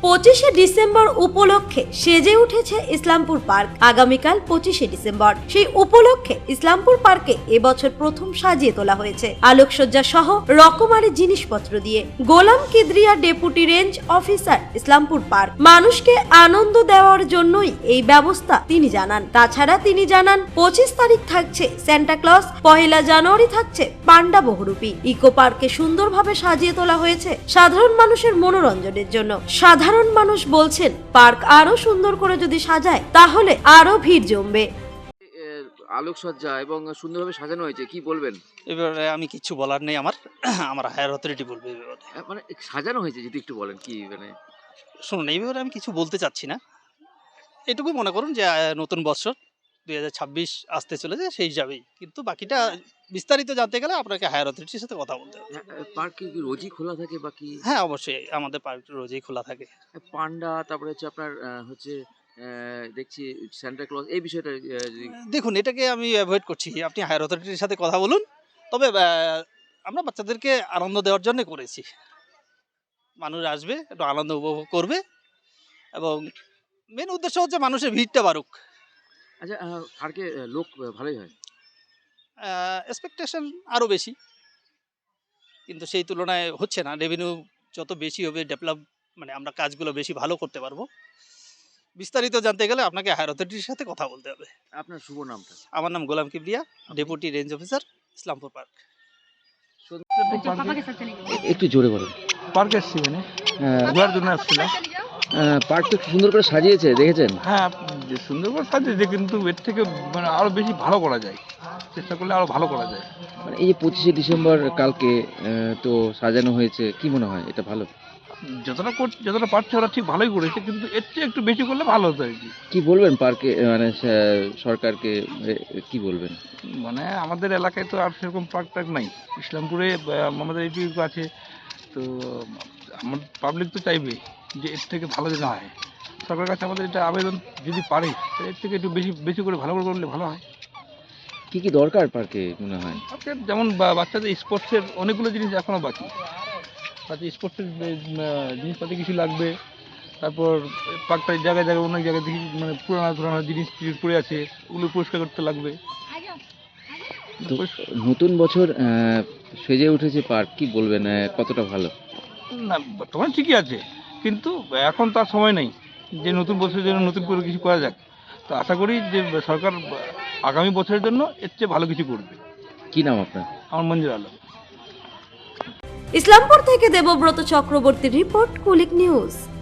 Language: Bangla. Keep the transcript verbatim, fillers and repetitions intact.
পঁচিশে ডিসেম্বর উপলক্ষে সেজে উঠেছে ইসলামপুর পার্ক। আগামীকাল পঁচিশে ডিসেম্বর, সেই উপলক্ষে ইসলামপুর পার্কে এবছর প্রথম সাজিয়ে তোলা হয়েছে আলোকসজ্জা সহ রকমারি জিনিসপত্র দিয়ে। গোলাম কিদ্রিয়া, deputy range officer, Islampur park. মানুষকে আনন্দ দেওয়ার জন্যই এই ব্যবস্থা তিনি জানান। তাছাড়া তিনি জানান পঁচিশ তারিখ থাকছে সান্টা ক্লজ, পহেলা জানুয়ারি থাকছে পান্ডা বহুরূপী। ইকো পার্কে সুন্দরভাবে সাজিয়ে তোলা হয়েছে সাধারণ মানুষের মনোরঞ্জনের জন্য। সাধারণ মানুষ বলছেন পার্ক আরো সুন্দর করে যদি সাজায় তাহলে আরো ভিড় জমবে। আলোকসজ্জা এবং সুন্দরভাবে সাজানো হয়েছে, কি বলবেন? এবারে আমি কিছু বলার নেই, আমার আমার হায়ার অথরিটি বলবে। মানে সাজানো হয়েছে যদি একটু বলেন কি মানে। শুনুন, এই ব্যাপারে আমি কিছু বলতে চাচ্ছি না। এটুকু মনে করুন যে নতুন বছর দুই হাজার ছাব্বিশ আসতে চলেছে, সেই হিসাবেই। কিন্তু বাকিটা বিস্তারিত জানতে গেলে আপনাকে হায়ার অথরিটির সাথে কথা বলতে হবে। পার্ক কি রোজই খোলা থাকে বাকি? হ্যাঁ, অবশ্যই আমাদের পার্ক রোজই খোলা থাকে। পান্ডা, তারপরে হচ্ছে আপনার হচ্ছে দেখছি সান্টা ক্লজ, এই বিষয়টা দেখুন, এটাকে আমি অ্যাভয়েড করছি। আপনি হায়ার অথরিটির সাথে কথা বলুন। তবে আমরা বাচ্চাদেরকে আনন্দ দেওয়ার জন্য করেছি। মানুষ আসবে, একটু আনন্দ উপভোগ করবে, এবং মেন উদ্দেশ্য হচ্ছে মানুষের ভিড়টা বাড়ুক। আচ্ছা, পার্কে লোক ভালোই হয়? এক্সপেকটেশন আরও বেশি, কিন্তু সেই তুলনায় হচ্ছে না। রেভিনিউ যত বেশি হবে, ডেভেলপ মানে আমরা কাজগুলো বেশি ভালো করতে পারবো। বিস্তারিত জানতে গেলে আপনাকে হায়ার অথরিটির সাথে কথা বলতে হবে। আপনার শুভ নামটা? আমার নাম Golam Kibria, deputy range officer, Islampur park. একটু জোরে বলুন। পার্ক এসছি, মানে ঘোরার জন্য আসছিলাম। পার্ক তো সুন্দর করে সাজিয়েছে, দেখেছেন? হ্যাঁ, সুন্দর করে সাজিয়েছে, কিন্তু এর থেকে মানে আরো বেশি ভালো করা যায়, চেষ্টা করলে আরো ভালো করা যায়। মানে এই যে পঁচিশে ডিসেম্বর কালকে তো সাজানো হয়েছে, কি মনে হয় এটা ভালো? যতটা করছে, যতটা পারছে ওরা ঠিক ভালোই করেছে, কিন্তু এর চেয়ে একটু বেশি করলে ভালো হতো আর কি। কি বলবেন পার্কে মানে সরকারকে কি বলবেন? মানে আমাদের এলাকায় তো আর সেরকম পার্ক টার্ক নাই। ইসলামপুরে আমাদের এইটুকু আছে, তো আমার পাবলিক তো চাইবে যে এর থেকে ভালো যেন হয়। সরকারের কাছে আমাদের এটা আবেদন, যদি পারে এর থেকে একটু বেশি বেশি করে ভালো করে করলে ভালো হয়। কি কি দরকার পার্কে মনে হয়? পার্কে যেমন বাচ্চাদের স্পোর্টসের অনেকগুলো জিনিস এখনো বাকি। বাচ্চা স্পোর্টসের জিনিসপাতি কিছু লাগবে। তারপর পার্কটার জায়গায় জায়গায় অনেক জায়গায় দেখি মানে পুরানো পুরানো জিনিস পড়ে আছে, ওগুলো পরিষ্কার করতে লাগবে। নতুন বছর সেজে উঠেছে পার্ক, কি বলবেন কতটা ভালো? না, বর্তমানে ঠিকই আছে, কিন্তু এখন তার সময় নেই যে নতুন বছরের জন্য নতুন করে কিছু করা যাক। তো আশা করি যে সরকার আগামী বছরের জন্য এর চেয়ে ভালো কিছু করবে। কি নাম আপনার? আমার মঞ্জুর আলম। ইসলামপুর থেকে দেবব্রত চক্রবর্তীর রিপোর্ট, কুলিক নিউজ।